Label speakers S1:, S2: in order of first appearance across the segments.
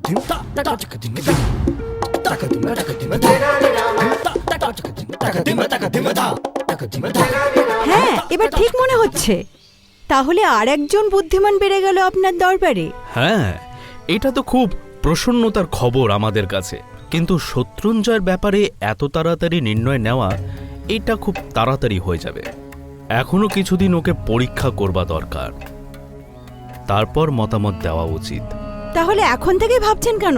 S1: হ্যাঁ, এবার ঠিক মনে হচ্ছে। তাহলে আর একজন বুদ্ধিমান বেড়ে গেল আপনার দরবারে।
S2: হ্যাঁ, এটা তো খুব প্রসন্নতার খবর আমাদের কাছে। কিন্তু শত্রুঞ্জয়ের ব্যাপারে এত তাড়াতাড়ি নির্ণয় নেওয়া, এটা খুব তাড়াতাড়ি হয়ে যাবে। এখনো কিছুদিন ওকে পরীক্ষা করবা দরকার, তারপর মতামত দেওয়া উচিত।
S1: তাহলে এখন থেকে ভাবছেন কেন?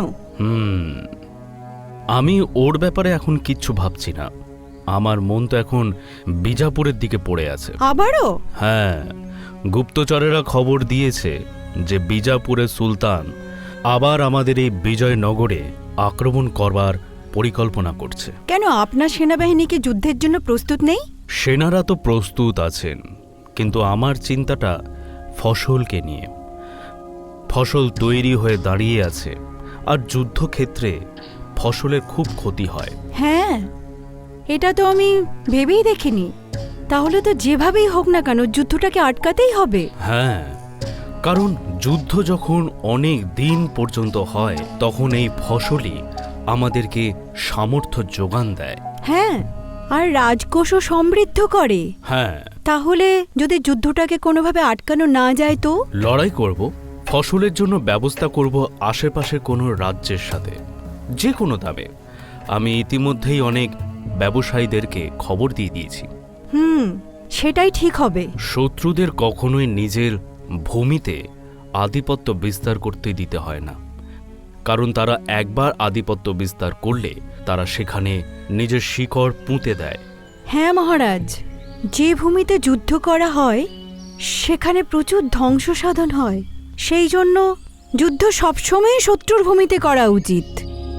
S2: আমি ওর ব্যাপারে এখন কিচ্ছু ভাবছি না। আমার মন তো এখন বিজাপুরের দিকে পড়ে আছে।
S1: আবারও?
S2: হ্যাঁ, গুপ্তচরেরা খবর দিয়েছে যে বিজাপুরের সুলতান আবার আমাদের এই বিজয়নগরে আক্রমণ করবার পরিকল্পনা করছে।
S1: কেন, আপনার সেনাবাহিনী কি যুদ্ধের জন্য প্রস্তুত নেই?
S2: সেনারা তো প্রস্তুত আছেন, কিন্তু আমার চিন্তাটা ফসলকে নিয়ে। ফসল তৈরি হয়ে দাঁড়িয়ে আছে, আর যুদ্ধক্ষেত্রে ফসলের খুব ক্ষতি হয়।
S1: হ্যাঁ, এটা তো আমি ভেবেই দেখিনি। তাহলে তো যেভাবেই হোক না কেন যুদ্ধটাকে আটকাতেই হবে।
S2: হ্যাঁ, কারণ যুদ্ধ যখন অনেক দিন পর্যন্ত হয়, তখন এই ফসলই আমাদেরকে সামর্থ্য যোগান দেয়।
S1: হ্যাঁ, আর রাজকোষও সমৃদ্ধ করে।
S2: হ্যাঁ,
S1: তাহলে যদি যুদ্ধটাকে কোনোভাবে আটকানো না যায় তো?
S2: লড়াই করব, ফসলের জন্য ব্যবস্থা করব আশেপাশের কোনো রাজ্যের সাথে, যে কোনো দামে। আমি ইতিমধ্যেই অনেক ব্যবসায়ীদেরকে খবর দিয়ে দিয়েছি।
S1: সেটাই ঠিক হবে।
S2: শত্রুদের কখনোই নিজের ভূমিতে আধিপত্য বিস্তার করতে দিতে হয় না, কারণ তারা একবার আধিপত্য বিস্তার করলে তারা সেখানে নিজের শিকড় পুঁতে দেয়।
S1: হ্যাঁ মহারাজ, যে ভূমিতে যুদ্ধ করা হয় সেখানে প্রচুর ধ্বংস সাধন হয়। সেই জন্য যুদ্ধ সবসময় শত্রুর ভূমিতে করা উচিত।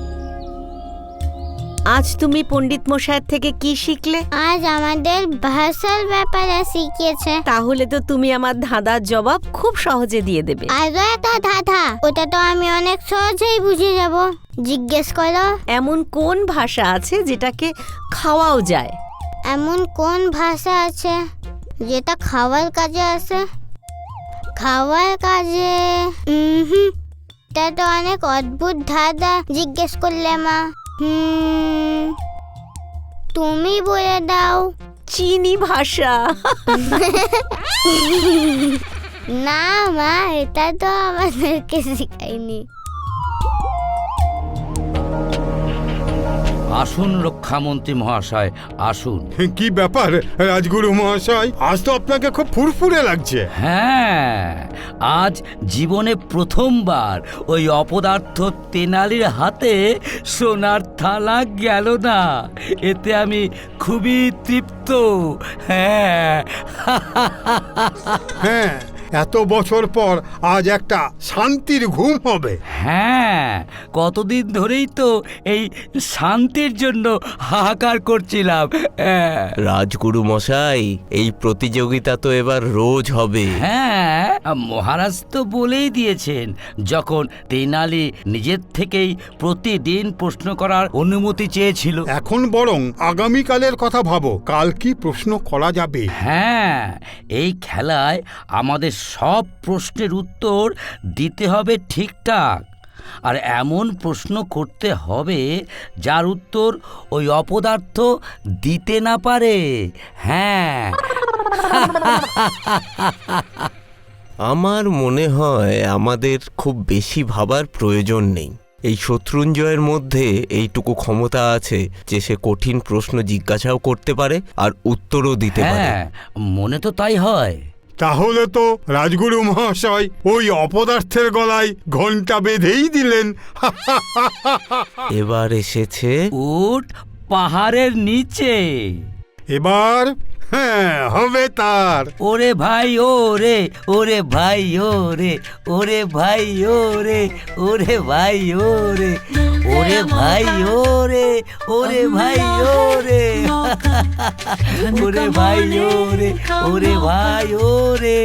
S3: আজ তুমি পণ্ডিত মশাইয়ের থেকে কি শিখলে?
S4: আজ আমাদের ভাষার ব্যাপারে শিখিয়েছে।
S3: তাহলে তো তুমি আমার ধাঁধার জবাব খুব সহজে দিয়ে দেবে।
S4: আরো একটা ধাঁধা, ওটা তো আমি অনেক সহজেই বুঝে যাব। জিজ্ঞেস করো।
S3: এমন কোন ভাষা আছে যেটাকে খাওয়াও যায়?
S4: এমন কোন ভাষা আছে যেটা খাওয়ার কাজে আসে? খাওয়ার কাজে? এটা তো অনেক অদ্ভুত ধাঁধা জিজ্ঞেস করলে মা। তুমি বলে দাও।
S3: চীনি ভাষা।
S4: না মা, এটা তো আমাদেরকে শিখায়নি।
S5: আসুন রক্ষামন্ত্রী মহাশয়, আসুন।
S6: কি ব্যাপার রাজগুরু মহাশয়, আজ তো আপনাকে খুব ফুরফুরে লাগছে।
S5: হ্যাঁ, আজ জীবনে প্রথমবার ওই অপদার্থ তেনালির হাতে সোনার থালা গেল না, এতে আমি খুবই তৃপ্ত। হ্যাঁ,
S6: হ্যাঁ, এত বছর পর আজ একটা শান্তির ঘুম হবে।
S5: হ্যাঁ, কতদিন ধরেই তো এই শান্তির জন্য হাহাকার করছিলাম।
S7: রাজগুরু মশাই, এই প্রতিযোগিতা তো এবার রোজ হবে।
S5: হ্যাঁ, মহারাজ তো বলেই দিয়েছেন, যখন তেনালি নিজের থেকেই প্রতিদিন প্রশ্ন করার অনুমতি চেয়েছিল।
S6: এখন বরং আগামীকালের কথা ভাবো, কাল কি প্রশ্ন করা যাবে।
S5: হ্যাঁ, এই খেলায় আমাদের সব প্রশ্নের উত্তর দিতে হবে ঠিকঠাক, আর এমন প্রশ্ন করতে হবে যার উত্তর ওই অপদার্থ দিতে না পারে। হ্যাঁ।
S7: আমার মনে হয় আমাদের খুব বেশি ভাবার প্রয়োজন নেই। এই শত্রুঞ্জয়ের মধ্যে এইটুকু ক্ষমতা আছে যে সে কঠিন প্রশ্ন জিজ্ঞাসাও করতে পারে আর উত্তরও দিতে পারে।
S5: হ্যাঁ, মনে তো তাই হয়।
S6: তাহলে তো রাজগুরু মহাশয় ওই অপদার্থের গলায় ঘণ্টা বেঁধেই দিলেন।
S7: এবার এসেছে
S5: উট পাহাড়ের নিচে।
S6: এবার হ্যাঁ হবে তার।
S5: ওরে ভাই ওরে, ওরে ভাই ওরে, ওরে ভাই ওরে, ওরে ভাই ওরে, ওরে ভাই ওরে, ওরে ভাই ওরে, ওরে ভাই ওরে, ওরে ভাই ওরে।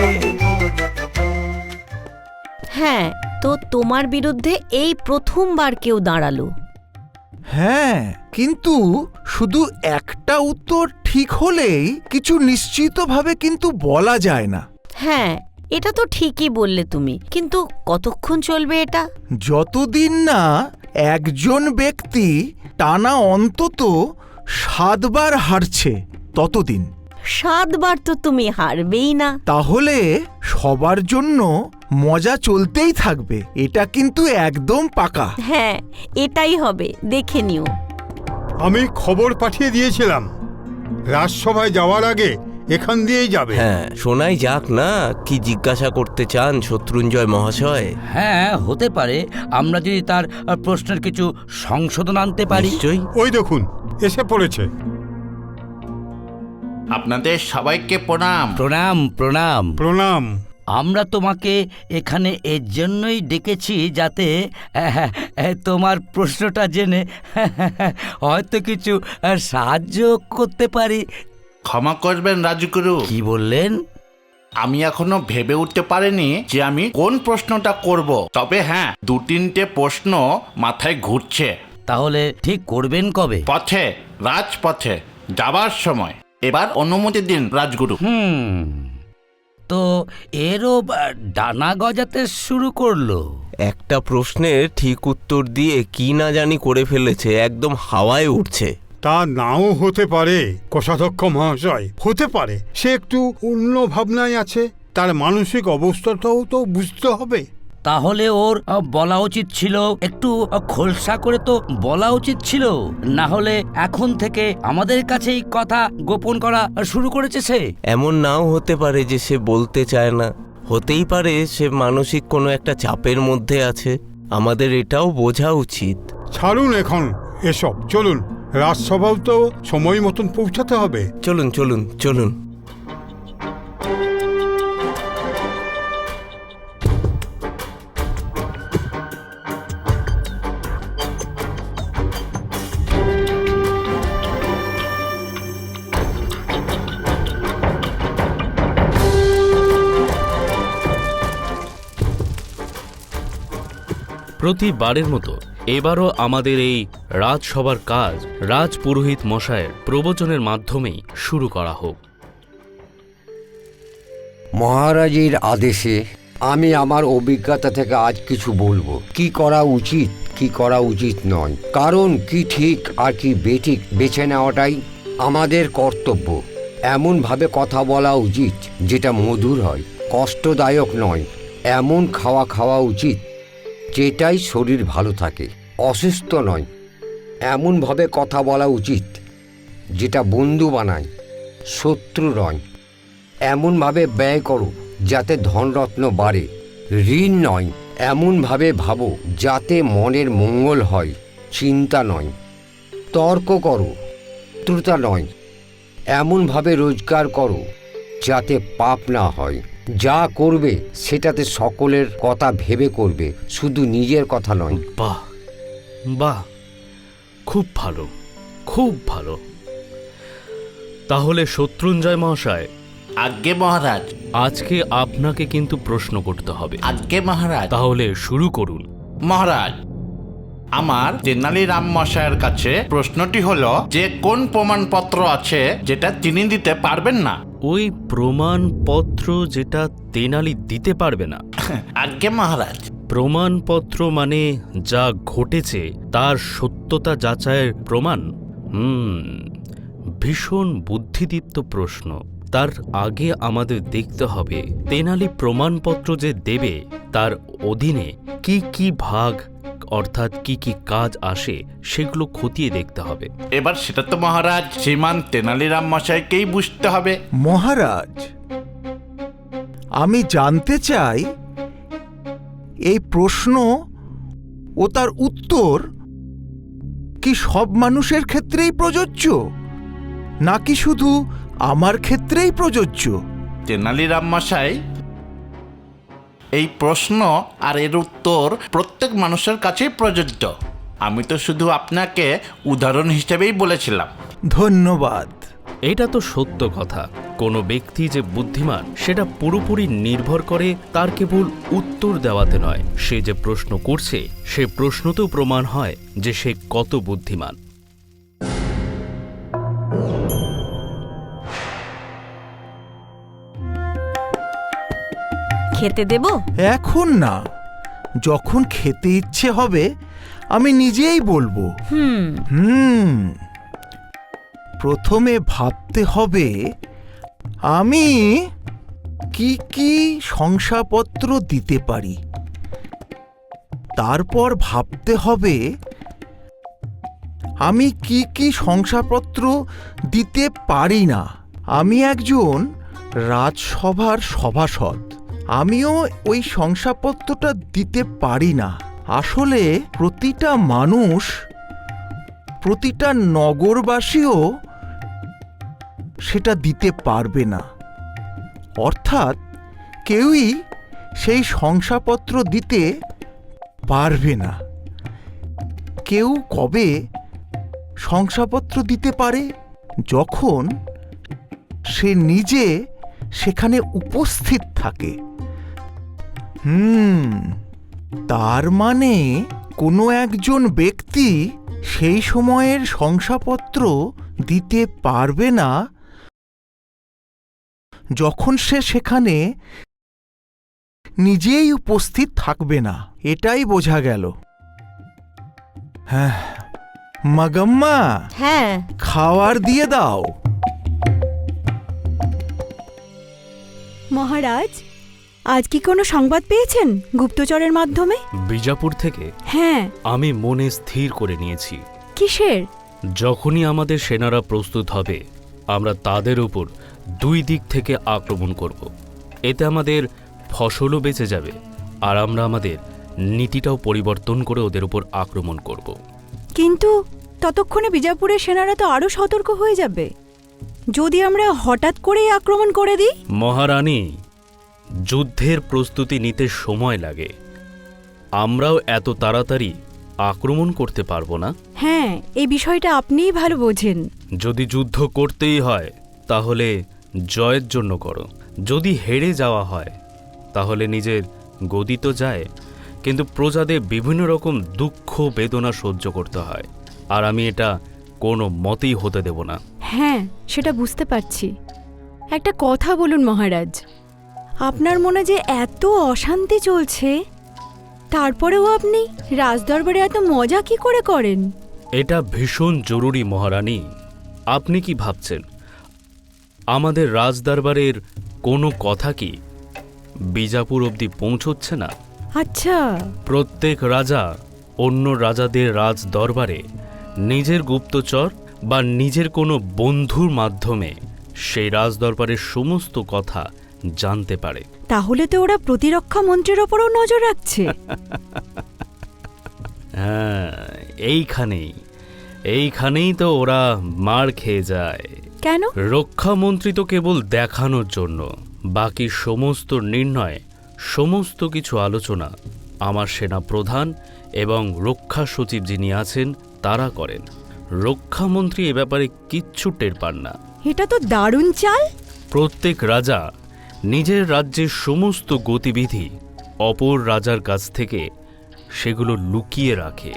S3: হ্যাঁ, তো তোমার বিরুদ্ধে এই প্রথমবার কেউ দাঁড়ালো।
S8: হ্যাঁ, কিন্তু শুধু একটা উত্তর ঠিক হলেই কিছু নিশ্চিতভাবে কিন্তু বলা যায় না।
S3: হ্যাঁ, এটা তো ঠিকই বললে তুমি, কিন্তু কতক্ষণ চলবে এটা?
S8: যতদিন না একজন ব্যক্তি টানা অন্তত 7 বার হারছে ততদিন।
S3: 7 বার তো তুমি হারবেই না।
S8: তাহলে সবার জন্য মজা চলতেই থাকবে, এটা কিন্তু একদম পাকা।
S3: হ্যাঁ, এটাই হবে, দেখে নিও।
S6: আমি খবর পাঠিয়ে দিয়েছিলাম, রাজসভায় যাওয়ার আগে এখান দিয়েই যাবে।
S7: হ্যাঁ, শোনাই যাক না কি জিজ্ঞাসা করতে চান শত্রুঞ্জয় মহাশয়।
S5: হ্যাঁ, হতে পারে আমরা যদি তার প্রশ্নের কিছু সংশোধন আনতে পারি।
S7: নিশ্চয়ই।
S6: ওই দেখুন এসে পড়েছে।
S9: আপনাদের সবাইকে প্রণাম।
S5: প্রণাম প্রণাম।
S6: প্রণাম।
S5: আমরা তোমাকে এখানে এর জন্যই ডেকেছি যাতে তোমার প্রশ্নটা জেনে হয়তো কিছু সাহায্য করতে পারি।
S9: ক্ষমা করবেন রাজগুরু,
S5: কি বললেন?
S9: আমি এখনো ভেবে উঠতে পারিনি যে আমি কোন প্রশ্নটা করব। তবে হ্যাঁ, 2-3টে প্রশ্ন মাথায় ঘুরছে।
S5: তাহলে ঠিক করবেন কবে?
S9: পথে, রাজপথে যাবার সময়। এবার অনুমতি দিন রাজগুরু।
S5: তো এরও ডানা গজাতে শুরু করলো।
S7: একটা প্রশ্নের ঠিক উত্তর দিয়ে কি না জানি করে ফেলেছে, একদম হাওয়ায় উঠছে।
S6: তা নাও হতে পারে কোষাধ্যক্ষ মহাশয়, হতে পারে সে একটু অন্য ভাবনায় আছে, তার মানসিক অবস্থাটাও তো বুঝতে হবে।
S5: তাহলে ওর বলা উচিত ছিল, একটু খোলসা করে তো বলা উচিত ছিল, না হলে এখন থেকে আমাদের কাছেই কথা গোপন করা শুরু করেছে সে।
S7: এমন নাও হতে পারে যে সে বলতে চায় না, হতেই পারে সে মানসিক কোনো একটা চাপের মধ্যে আছে। আমাদের এটাও বোঝা উচিত।
S6: ছাড়ুন এখন এসব, চলুন, রাজসভাও তো সময় মতন পৌঁছাতে হবে।
S7: চলুন চলুন চলুন।
S2: প্রতিবারের মতো এবারও আমাদের এই রাজসভার কাজ রাজপুরোহিত মশায়ের প্রবচনের মাধ্যমেই শুরু করা হোক।
S10: মহারাজের আদেশে আমি আমার অভিজ্ঞতা থেকে আজ কিছু বলবো। কি করা উচিত, কি করা উচিত নয়, কারণ কি ঠিক আর কি বেঠিক বেছে নেওয়াটাই আমাদের কর্তব্য। এমনভাবে কথা বলা উচিত যেটা মধুর হয়, কষ্টদায়ক নয়। এমন খাওয়া খাওয়া উচিত যেটাই শরীর ভালো থাকে, অসুস্থ নয়। এমনভাবে কথা বলা উচিত যেটা বন্ধু বানায়, শত্রু নয়। এমনভাবে ব্যয় করো যাতে ধনরত্ন বাড়ে, ঋণ নয়। এমনভাবে ভাবো যাতে মনের মঙ্গল হয়, চিন্তা নয়। তর্ক করো, শত্রুতা নয়। এমনভাবে রোজগার করো যাতে পাপ না হয়। যা করবে সেটাতে সকলের কথা ভেবে করবে, শুধু নিজের কথা নয়।
S2: বাহ বাহ, খুব ভালো, খুব ভালো। তাহলে শত্রুঞ্জয় মহাশয়,
S9: আজ্ঞে মহারাজ।
S2: আজকে আপনাকে কিন্তু প্রশ্ন করতে হবে।
S9: আজ্ঞে মহারাজ।
S2: তাহলে শুরু করুন।
S9: মহারাজ, আমার তেনালিরাম মশাইয়ের কাছে প্রশ্নটি হলো যে কোন প্রমাণপত্র আছে যেটা তিনি দিতে পারবেন না?
S2: ওই প্রমাণপত্র যেটা তেনালি দিতে পারবে না?
S9: আজ্ঞে মহারাজ।
S2: প্রমাণপত্র মানে যা ঘটেছে তার সত্যতা যাচাইয়ের প্রমাণ। ভীষণ বুদ্ধিদীপ্ত প্রশ্ন। তার আগে আমাদের দেখতে হবে তেনালি প্রমাণপত্র যে দেবে তার অধীনে কি কি ভাগ অর্থাৎ কি কি কাজ আসে সেগুলো খতিয়ে দেখতে হবে।
S9: এবার সেটা তো মহারাজ শ্রীমান তেনালিরাম মশাইকেই বুঝতে হবে।
S8: মহারাজ, আমি জানতে চাই এই প্রশ্ন ও তার উত্তর কি সব মানুষের ক্ষেত্রেই প্রযোজ্য, নাকি শুধু আমার ক্ষেত্রেই প্রযোজ্য?
S9: তেনালিরাম মশাই, এই প্রশ্ন আর এর উত্তর প্রত্যেক মানুষের কাছেই প্রযোজ্য। আমি তো শুধু আপনাকে উদাহরণ হিসেবেই বলেছিলাম।
S8: ধন্যবাদ।
S2: এটা তো সত্য কথা। কোনো ব্যক্তি যে বুদ্ধিমান সেটা পুরোপুরি নির্ভর করে তার কেবল উত্তর দেওয়াতে নয়, সে যে প্রশ্ন করছে সে প্রশ্নতেও প্রমাণ হয় যে সে কত বুদ্ধিমান।
S3: খেতে দেব?
S8: এখন না, যখন খেতে ইচ্ছে হবে আমি নিজেই বলবো। প্রথমে ভাবতে হবে আমি কি কি শংসাপত্র দিতে পারি। তারপর ভাবতে হবে আমি কি কি শংসাপত্র দিতে পারি না। আমি একজন রাজসভার সভাসদ, আমিও ওই শংসাপত্রটা দিতে পারি না। আসলে প্রতিটা মানুষ, প্রতিটা নগরবাসীও সেটা দিতে পারবে না। অর্থাৎ কেউই সেই শংসাপত্র দিতে পারবে না। কেউ কবে শংসাপত্র দিতে পারে? যখন সে নিজে সেখানে উপস্থিত থাকে। তার মানে কোনো একজন ব্যক্তি সেই সময়ের শংসাপত্র দিতে পারবে না যখন সে সেখানে নিজেই উপস্থিত থাকবে না। এটাই বোঝা গেল। হ্যাঁ মাগাম্মা,
S3: হ্যাঁ,
S8: খাওয়ার দিয়ে দাও।
S1: মহারাজ, আজ কি কোনো সংবাদ পেয়েছেন গুপ্তচরের মাধ্যমে?
S2: বিজাপুর থেকে?
S1: হ্যাঁ।
S2: আমি মনে স্থির করে নিয়েছি।
S1: কিসের?
S2: যখনই আমাদের সেনারা প্রস্তুত হবে, আমরা তাদের উপর 2 দিক থেকে আক্রমণ করব। এতে আমাদের ফসলও বেঁচে যাবে, আর আমরা আমাদের নীতিটাও পরিবর্তন করে ওদের উপর আক্রমণ করব।
S1: কিন্তু ততক্ষণে বিজাপুরের সেনারা তো আরো সতর্ক হয়ে যাবে। যদি আমরা হঠাৎ করেই আক্রমণ করে দিই?
S2: মহারানী, যুদ্ধের প্রস্তুতি নিতে সময় লাগে। আমরাও এত তাড়াতাড়ি আক্রমণ করতে পারবো না।
S1: হ্যাঁ, এই বিষয়টা আপনিই ভালো বোঝেন।
S2: যদি যুদ্ধ করতেই হয় তাহলে জয়ের জন্য করো। যদি হেরে যাওয়া হয় তাহলে নিজের গদি তো যায়, কিন্তু প্রজাদের বিভিন্ন রকম দুঃখ বেদনা সহ্য করতে হয়, আর আমি এটা কোনো মতেই হতে দেব না।
S1: হ্যাঁ, সেটা বুঝতে পারছি। একটা কথা বলুন মহারাজ, আপনার মনে যে এত অশান্তি চলছে, তারপরেও আপনি রাজদরবারে এত মজা কি করে করেন?
S2: এটা ভীষণ জরুরি মহারানী। আপনি কি ভাবছেন আমাদের রাজদরবারের কোনো কথা কি বিজাপুর অবধি পৌঁছচ্ছে না?
S1: আচ্ছা।
S2: প্রত্যেক রাজা অন্য রাজাদের রাজ দরবারে নিজের গুপ্তচর বা নিজের কোনো বন্ধুর মাধ্যমে সেই রাজ দরবারের সমস্ত কথা জানতে পারে।
S1: তাহলে তো ওরা প্রতিরক্ষা মন্ত্রীর ওপরও নজর রাখছে।
S2: হ্যাঁ, এইখানেই তো ওরা মার খেয়ে যায়।
S1: কেন?
S2: রক্ষামন্ত্রী তো কেবল দেখানোর জন্য, বাকি সমস্ত নির্ণয়, সমস্ত কিছু আলোচনা আমার সেনা প্রধান এবং রক্ষা সচিব যিনি আছেন তারা করেন। রক্ষামন্ত্রী এ ব্যাপারে কিচ্ছু টের পান না।
S1: এটা তো দারুণ চাল।
S2: প্রত্যেক রাজা নিজের রাজ্যের সমস্ত গতিবিধি অপর রাজার কাছ থেকে সেগুলো লুকিয়ে রাখে।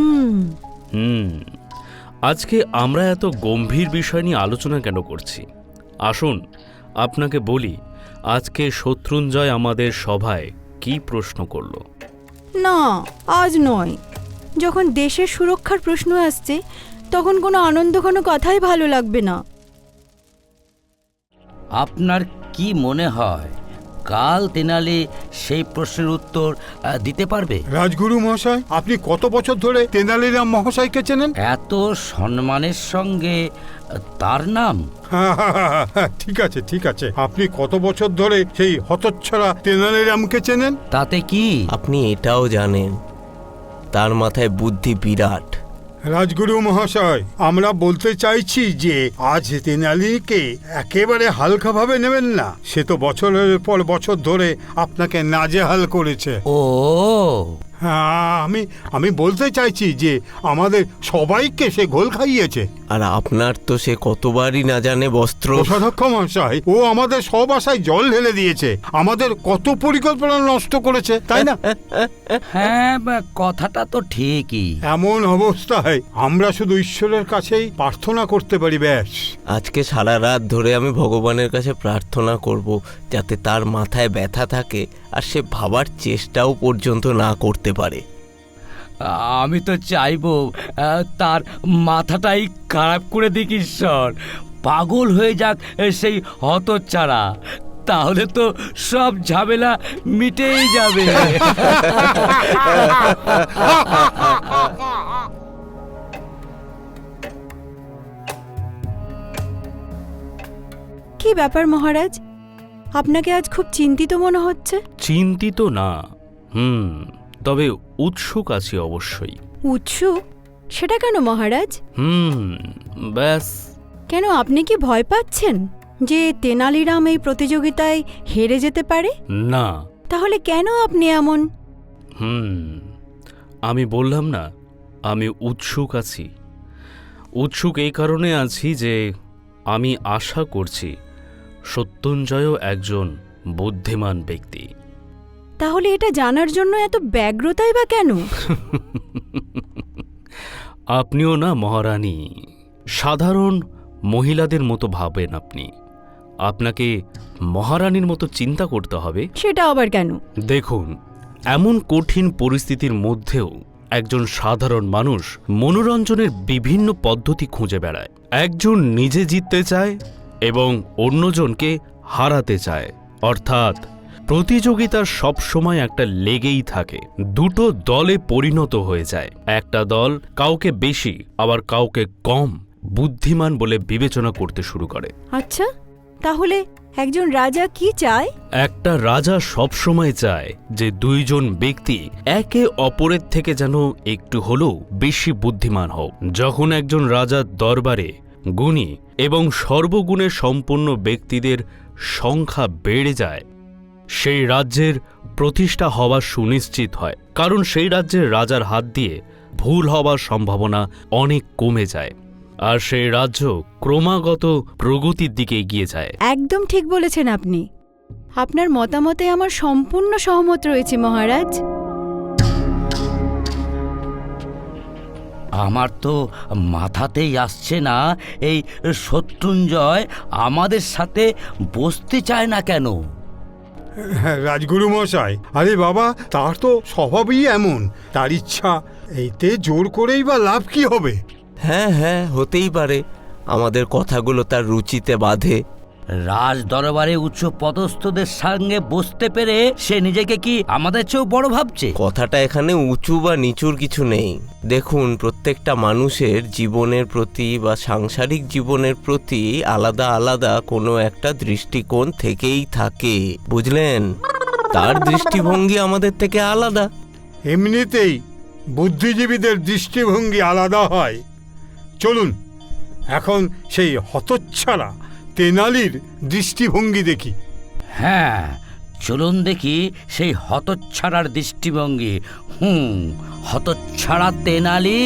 S2: আজকে আমরা এত গম্ভীর বিষয় নিয়ে আলোচনা কেন করছি? আসুন আপনাকে বলি, আজকে শত্রুঞ্জয় আমাদের সভায় কি প্রশ্ন করল।
S1: না, আজ নয়। যখন দেশের সুরক্ষার প্রশ্ন আসছে তখন কোনো আনন্দঘন কথাই ভালো লাগবে না।
S5: আপনার কি মনে হয় কাল তেনালি সেই প্রশ্নের উত্তর দিতে পারবে?
S6: রাজগুরু মহাশয়, আপনি কত বছর ধরে তেনালিরাম মহাশয়কে চেনেন?
S5: এত সম্মানের সঙ্গে তার নাম?
S6: ঠিক আছে, ঠিক আছে। আপনি কত বছর ধরে সেই হতচ্ছাড়া তেনালিরামকে চেনেন?
S5: তাতে কি?
S7: আপনি এটাও জানেন তার মাথায় বুদ্ধি বিরাট।
S6: রাজগুরু মহাশয়, আমরা বলতে চাইছি যে আজ তেনালিকে একেবারে হালকাভাবে নেবেন না। সে তো বছরের পর বছর ধরে আপনাকে নাজেহাল করেছে।
S5: ও
S6: হ্যাঁ, আমি বলতে চাইছি যে আমাদের সবাইকে সে ঘোল খাইয়েছে।
S7: আর আপনার তো সে কতবারই না জানে বস্ত্র।
S6: কোষাধ্যক্ষ মহাশয়, ও আমাদের সব আশায় জল ঢেলে দিয়েছে, আমাদের কত পরিকল্পনা নষ্ট করেছে, তাই না?
S5: হ্যাঁ, কথাটা তো ঠিকই।
S6: এমন অবস্থায় আমরা শুধু ঈশ্বরের কাছেই প্রার্থনা করতে পারি, ব্যাস।
S7: আজকে সারা রাত ধরে আমি ভগবানের কাছে প্রার্থনা করব যাতে তার মাথায় ব্যথা থাকে আর সে ভাবার চেষ্টাও পর্যন্ত না করতে পারে।
S5: আমি তো চাইবো তার মাথাটাই খারাপ করে দিক ঈশ্বর, পাগল হয়ে যাক সেই হতচ্ছাড়া, তাহলে তো সব ঝামেলা মিটেই যাবে।
S1: কি ব্যাপার মহারাজ, আপনাকে আজ খুব চিন্তিত মনে হচ্ছে।
S2: চিন্তিত না, তবে উৎসুক আছি অবশ্যই।
S1: উৎসুক? সেটা কেন মহারাজ?
S2: ব্যাস।
S1: কেন, আপনি কি ভয় পাচ্ছেন যে তেনালিরাম এই প্রতিযোগিতায় হেরে যেতে পারে?
S2: না।
S1: তাহলে কেন আপনি এমন?
S2: আমি বললাম না, আমি উৎসুক আছি। উৎসুক এই কারণে আছি যে আমি আশা করছি সত্যঞ্জয়ও একজন বুদ্ধিমান ব্যক্তি।
S1: তাহলে এটা জানার জন্য এত ব্যগ্রতাই বা কেন?
S2: আপনিও না মহারানী, সাধারণ মহিলাদের মতো ভাবেন আপনি। আপনাকে মহারানীর মতো চিন্তা করতে হবে।
S1: সেটা আবার কেন?
S2: দেখুন, এমন কঠিন পরিস্থিতির মধ্যেও একজন সাধারণ মানুষ মনোরঞ্জনের বিভিন্ন পদ্ধতি খুঁজে বেড়ায়। একজন নিজে জিততে চায় এবং অন্যজনকে হারাতে চায়, অর্থাৎ প্রতিযোগিতার সবসময় একটা লেগেই থাকে। দুটো দলে পরিণত হয়ে যায়। একটা দল কাউকে বেশি আবার কাউকে কম বুদ্ধিমান বলে বিবেচনা করতে শুরু করে।
S1: আচ্ছা, তাহলে একজন রাজা কি চায়?
S2: একটা রাজা সবসময় চায় যে দুইজন ব্যক্তি একে অপরের থেকে যেন একটু হলেও বেশি বুদ্ধিমান হোক। যখন একজন রাজার দরবারে গুণী এবং সর্বগুণে সম্পন্ন ব্যক্তিদের সংখ্যা বেড়ে যায়, সেই রাজ্যের প্রতিষ্ঠা হওয়া সুনিশ্চিত হয়, কারণ সেই রাজ্যের রাজার হাত দিয়ে ভুল হওয়ার সম্ভাবনা অনেক কমে যায়, আর সেই রাজ্য ক্রমাগত প্রগতির দিকে এগিয়ে যায়।
S1: একদম ঠিক বলেছেন আপনি। আপনার মতামতে আমার সম্পূর্ণ সহমত রয়েছে মহারাজ।
S5: আমার তো মাথাতেই আসছে না এই শত্রুঞ্জয় আমাদের সাথে বসতে চায় না কেন।
S6: রাজগুরু মশাই, আরে বাবা, তার তো স্বভাবই এমন, তার ইচ্ছা, এইতে জোর করেই বা লাভ কি হবে?
S7: হ্যাঁ, হতেই পারে আমাদের কথাগুলো তার রুচিতে বাধে।
S5: রাজ দরবারে উচ্চ পদস্থদের সঙ্গে বসতে পেরে সে নিজেকে কি আমাদের চেয়েও বড় ভাবছে?
S7: কথাটা এখানে উঁচু বা নিচুর কিছু নেই। দেখুন, প্রত্যেকটা মানুষের জীবনের প্রতি বা সাংসারিক জীবনের প্রতি আলাদা আলাদা কোনো একটা দৃষ্টিকোণ থেকেই থাকে, বুঝলেন? তার দৃষ্টিভঙ্গি আমাদের থেকে আলাদা।
S6: এমনিতেই বুদ্ধিজীবীদের দৃষ্টিভঙ্গি আলাদা হয়। চলুন এখন সেই হতচ্ছাড়া তেনালির দৃষ্টিভঙ্গি দেখি।
S5: হ্যাঁ, চলুন দেখি সেই হতচ্ছাড়ার দৃষ্টিভঙ্গি। হতচ্ছাড়া তেনালি।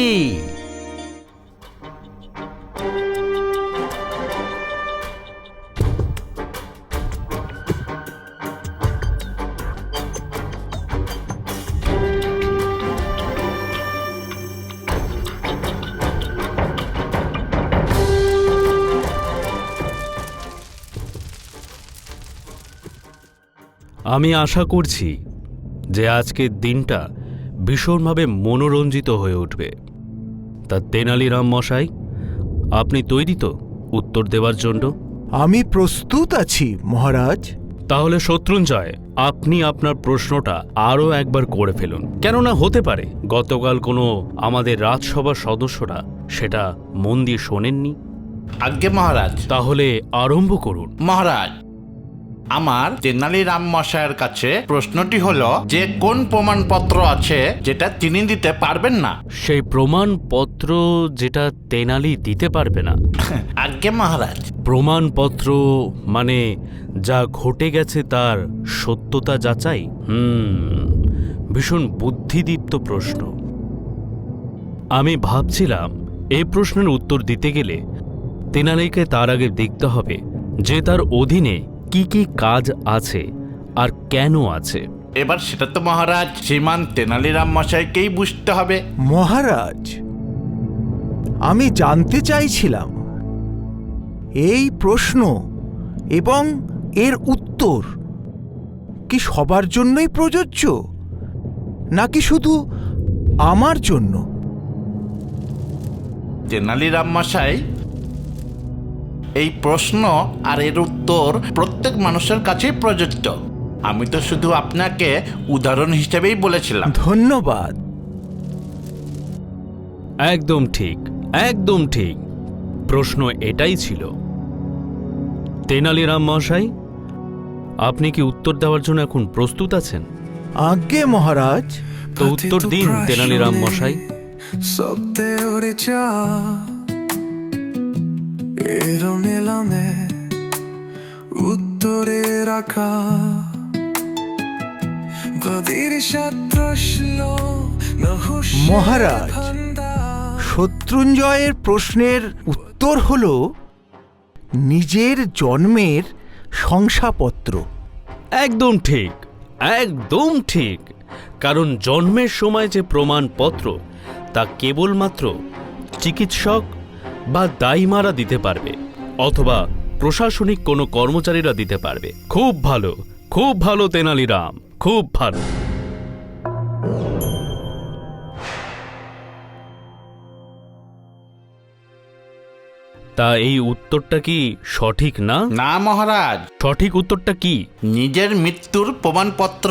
S2: আমি আশা করছি যে আজকের দিনটা ভীষণভাবে মনোরঞ্জিত হয়ে উঠবে। তা তেনালিরাম মশাই, আপনি তৈরি তো উত্তর দেওয়ার জন্য?
S8: আমি প্রস্তুত আছি মহারাজ।
S2: তাহলে শত্রুঞ্জয়, আপনি আপনার প্রশ্নটা আরও একবার করে ফেলুন। কেননা হতে পারে গতকাল কোনো আমাদের রাজসভার সদস্যরা সেটা মন দিয়ে শোনেননি।
S9: আজ্ঞে মহারাজ।
S2: তাহলে আরম্ভ করুন।
S9: মহারাজ, আমার তেনালিরাম মশাইয়ের কাছে প্রশ্নটি হলো যে কোন প্রমাণপত্র আছে যেটা তিনি দিতে পারবেন না?
S2: সেই প্রমাণপত্র যেটা তেনালি দিতে পারবে না?
S9: আজ্ঞে মহারাজ।
S2: প্রমাণপত্র মানে যা ঘটে গেছে তার সত্যতা যাচাই? ভীষণ বুদ্ধিদীপ্ত প্রশ্ন। আমি ভাবছিলাম এই প্রশ্নের উত্তর দিতে গেলে তেনালিকে তার আগে দেখতে হবে যে তার অধীনে কি কি কাজ আছে আর কেন আছে।
S9: এবার সেটা তো মহারাজ শ্রীমান তেনালিরাম মশাইকেই বুঝতে হবে।
S8: মহারাজ, আমি জানতে চাইছিলাম এই প্রশ্ন এবং এর উত্তর কি সবার জন্যই প্রযোজ্য, নাকি শুধু আমার জন্য?
S9: তেনালিরাম মশাই, এই প্রশ্ন আর এর উত্তর প্রত্যেক মানুষের কাছেই প্রযোজ্য। আমি তো শুধু আপনাকে উদাহরণ হিসেবেই বলেছিলাম।
S8: ধন্যবাদ।
S2: একদম ঠিক, একদম ঠিক। প্রশ্ন এটাই ছিল। তেনালিরাম মশাই, আপনি কি উত্তর দেওয়ার জন্য এখন প্রস্তুত আছেন?
S8: আজ্ঞে মহারাজ।
S2: তো উত্তর দিন তেনালিরাম মশাই।
S8: মহারাজ, শত্রুঞ্জয়ের প্রশ্নের উত্তর হল নিজের জন্মের শংসাপত্র।
S2: একদম ঠিক, একদম ঠিক। কারণ জন্মের সময় যে প্রমাণপত্র তা কেবলমাত্র চিকিৎসক বা দাইমারা দিতে পারবে, অথবা প্রশাসনিক কোনো কর্মচারীরা দিতে পারবে। খুব ভালো, খুব ভালো তেনালিরাম, খুব ভালো। তা এই উত্তরটা কি সঠিক না?
S9: না মহারাজ,
S2: সঠিক উত্তরটা কি?
S9: নিজের মৃত্যুর প্রমাণপত্র।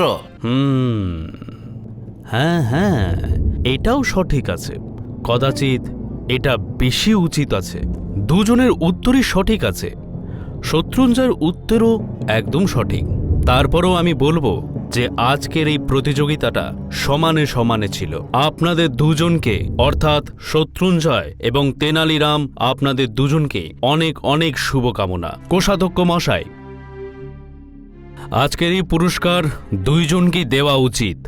S2: হ্যাঁ হ্যাঁ, এটাও সঠিক আছে। কদাচিৎ এটা বেশি উচিত আছে। দুজনের উত্তরই সঠিক আছে। শত্রুঞ্জয়ের উত্তরও একদম সঠিক। তারপরও আমি বলবো যে আজকের এই প্রতিযোগিতাটা সমানে সমানে ছিল। আপনাদের দুজনকে, অর্থাৎ শত্রুঞ্জয় এবং তেনালিরাম, আপনাদের দুজনকে অনেক অনেক শুভকামনা। কোষাধ্যক্ষ মশাই, আজকের এই পুরস্কার দুইজনকেই দেওয়া উচিত।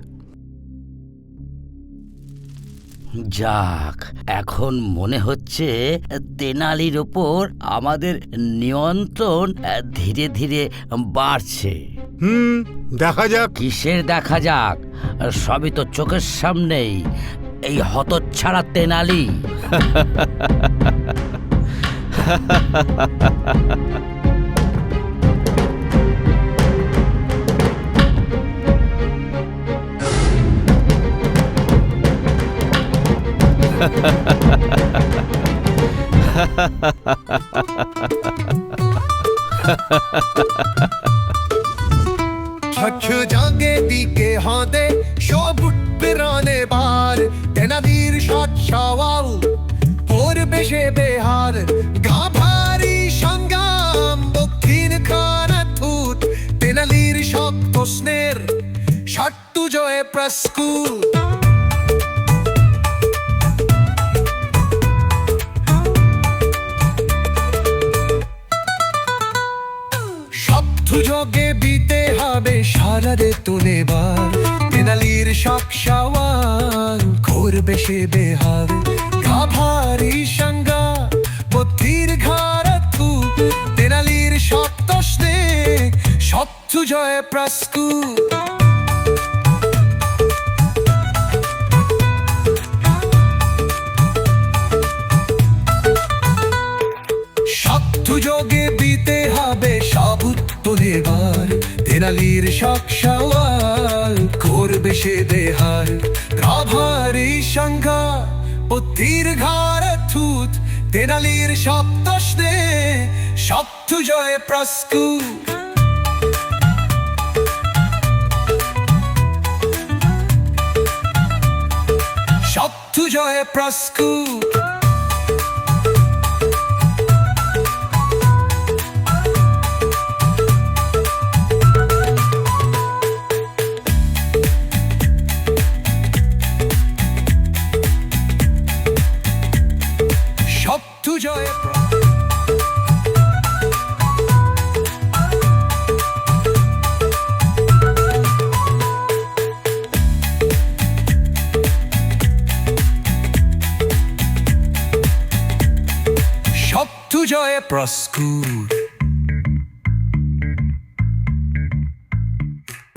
S5: যাক, এখন মনে হচ্ছে তেনালির ওপর আমাদের নিয়ন্ত্রণ ধীরে ধীরে বাড়ছে।
S6: দেখা যাক।
S5: কিসের দেখা যাক? সবই তো চোখের সামনেই। এই হতচ্ছাড়া তেনালি।
S11: জাগে দিকে হাঁদে সব বেরানে বার, তেনালির সৎ সওয়াল করবে সে বেহার। গাভারি সংগ্রাম দক্ষিণ খানা থুত, তেনালির সব প্রশ্নের সট্টু জয়ে প্রস্কুত। সুযোগে বিতে হবে সারারে তুলেবার, তেনালির সব সওয়াল করবে সে বেহার। গাভারি সংজ্ঞা বুদ্ধির ঘাড়া থু, তেনালির সব প্রশ্নে সত্যু জয় প্রস্কুত। সুযোগে বিতে হবে সব উত্তরেবার, তেনালির সব সওয়াল করবে সে বেহার। গাভারি সংজ্ঞা বুদ্ধির ঘাড়ে থুত, তেনালির সব প্রশ্নে সত্যু জয় প্রস্কুত। সত্যু জয় প্রস্কুত। জয়ে প্রস্কুট